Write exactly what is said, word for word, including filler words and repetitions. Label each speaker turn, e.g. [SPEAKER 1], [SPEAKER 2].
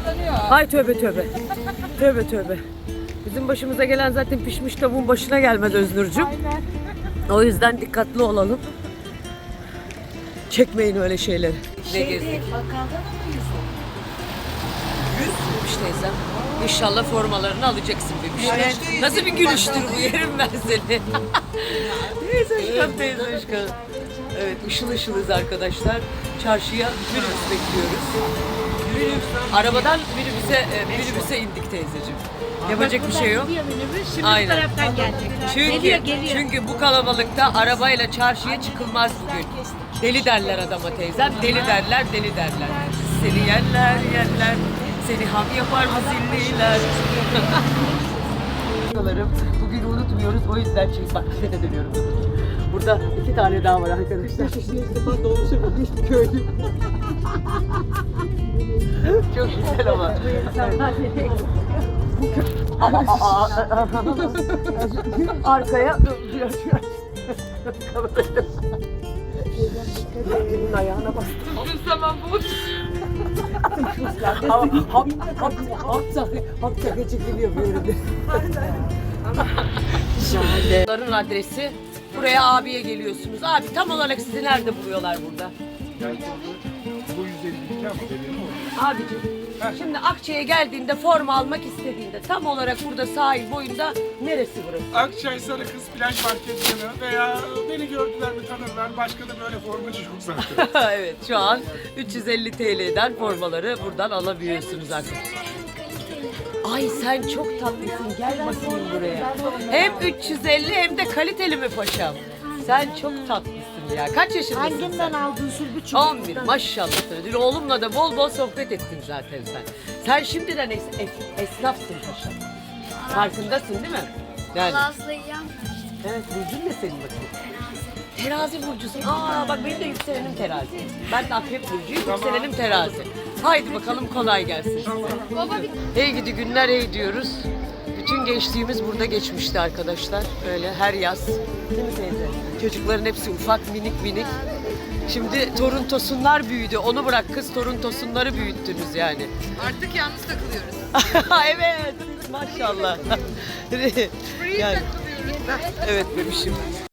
[SPEAKER 1] Ay tövbe tövbe. Tövbe tövbe. Bizim başımıza gelen zaten pişmiş tavuğun başına gelmez Öznur'cum. O yüzden dikkatli olalım. Çekmeyin öyle şeyleri. Ne gezdik? Yüz teyzem. İnşallah formalarını alacaksın bebiş. Nasıl bir gülüştür bu, yerim ben seni. Teyze aşkım, teyze aşkım. Evet, ışıl ışılız arkadaşlar. Çarşıya minibüs bekliyoruz. Minibüs, arabadan minibüse, e, minibüse indik teyzeciğim. Yapacak bir şey yok.
[SPEAKER 2] Şimdi
[SPEAKER 1] Aynen.
[SPEAKER 2] bu taraftan gelecek.
[SPEAKER 1] Çünkü,
[SPEAKER 2] Geliyor, geliyor.
[SPEAKER 1] çünkü bu kalabalıkta arabayla çarşıya çıkılmaz bugün. Deli derler adama teyzem, deli derler, deli derler. Seni yerler, yerler, seni ham yapar mı zilliler. Bugün unutmuyoruz, o yüzden çünkü bak size de dönüyorum. Burada iki tane daha var arkadaşlar. Ben dolmuşa bir köylü. Çok güzel ama. Arkaya Sevgilinin ayağına bastım.
[SPEAKER 3] Bir zaman bu.
[SPEAKER 1] Hap hap hap hap çakı hap çakı çekiliyor böyle. Bunların adresi. Buraya abiye geliyorsunuz. Abi tam olarak sizi nerede buluyorlar burada?
[SPEAKER 4] Bu yüz elli iki ama dediğin mi?
[SPEAKER 1] Abicim, şimdi Akçay'a geldiğinde forma almak istediğinde tam olarak burada sahil boyunda neresi burası?
[SPEAKER 4] Akçay Sarı Kız Plaj Market yanı veya beni gördüler mi tanırlar. Başka da böyle formacı yok zaten.
[SPEAKER 1] Evet, şu an üç yüz elli T L'den formaları buradan alabiliyorsunuz arkadaşlar. Ay sen çok tatlısın, gel bakayım buraya. Hem üç yüz elli hem de kaliteli mi paşam? Sen çok tatlısın ya. Kaç yaşındasın
[SPEAKER 2] Hanginden
[SPEAKER 1] sen?
[SPEAKER 2] aldın Sürbüçüm?
[SPEAKER 1] on bir maşallah. Dün oğlumla da bol bol sohbet ettin zaten sen. Sen şimdiden es es- esnafsın paşam. Farkındasın değil mi? Yani. Evet, burcun ne senin bakayım? Terazi burcusun. Aa bak benim de yükselenim terazi. Ben de akrep burcuyum, yükselenim terazi. Haydi bakalım, kolay gelsin size. Hey gidi günler hey diyoruz. Bütün gençliğimiz burada geçmişti arkadaşlar. Böyle her yaz. Değil mi teyze? Çocukların hepsi ufak, minik minik. Şimdi torun tosunlar büyüdü. Onu bırak kız, torun tosunları büyüttünüz yani.
[SPEAKER 3] Artık yalnız takılıyoruz.
[SPEAKER 1] Evet, maşallah. yani,
[SPEAKER 3] takılıyoruz.
[SPEAKER 1] evet bebişim.